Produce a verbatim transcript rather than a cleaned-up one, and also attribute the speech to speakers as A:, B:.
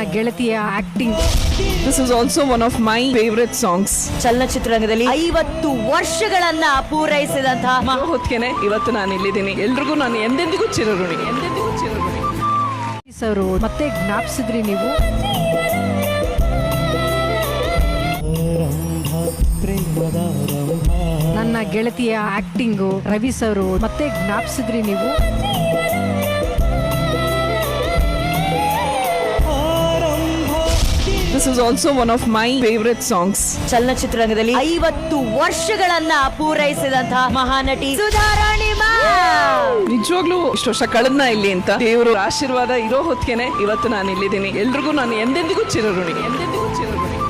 A: ಗೆಳತಿಯ acting.
B: This is also one of my favorite songs.
C: ಚಲನಚಿತ್ರರಂಗದಲ್ಲಿ ಐವತ್ತು ವರ್ಷಗಳನ್ನ ಪೂರೈಸಿದಂತಹ
B: ಮಹಾ ಹೊತ್ತಿಗೆನೆ ಇವತ್ತು ನಾನು ಇಲ್ಲಿದ್ದೀನಿ. ಎಲ್ರಿಗೂ ನಾನು ಎಂದೆಂದಿಗೂ ಚಿರಋಣಿ, ಎಂದೆಂದಿಗೂ ಚಿರಋಣಿ.
A: ಸರ್ ಮತ್ತೆ ಜ್ಞಾಪಿಸಿದ್ರಿ ನೀವು. ನನ್ನ ಗೆಳತಿಯ ಆಕ್ಟಿಂಗು ರವಿ ಸರ್ ಮತ್ತೆ ಜ್ಞಾಪಿಸಿದ್ರಿ ನೀವು.
B: This is also one of my favorite songs.
C: ಚಲನಚಿತ್ರರಂಗದಲ್ಲಿ ಐವತ್ತು ವರ್ಷಗಳನ್ನ ಪೂರೈಸಿದಂತಹ ಮಹಾನಟಿ ಸುಧಾರಾಣಿ ಮ್ಯಾಮ್.
B: ನಿಜವಾಗ್ಲೂ ಇಷ್ಟು ವರ್ಷ ಕಳೆದ್ನ ಇಲ್ಲಿ ಅಂತ ದೇವರು ಆಶೀರ್ವಾದ ಇರೋ ಹೊತ್ತಿಗೆನೆ ಇವತ್ತು ನಾನು ಇಲ್ಲಿದ್ದೀನಿ. ಎಲ್ರಿಗೂ ನಾನು ಎಂದೆಂದಿಗೂ ಚಿರಋಣಿ, ಎಂದೆಂದಿಗೂ ಚಿರಋಣಿ.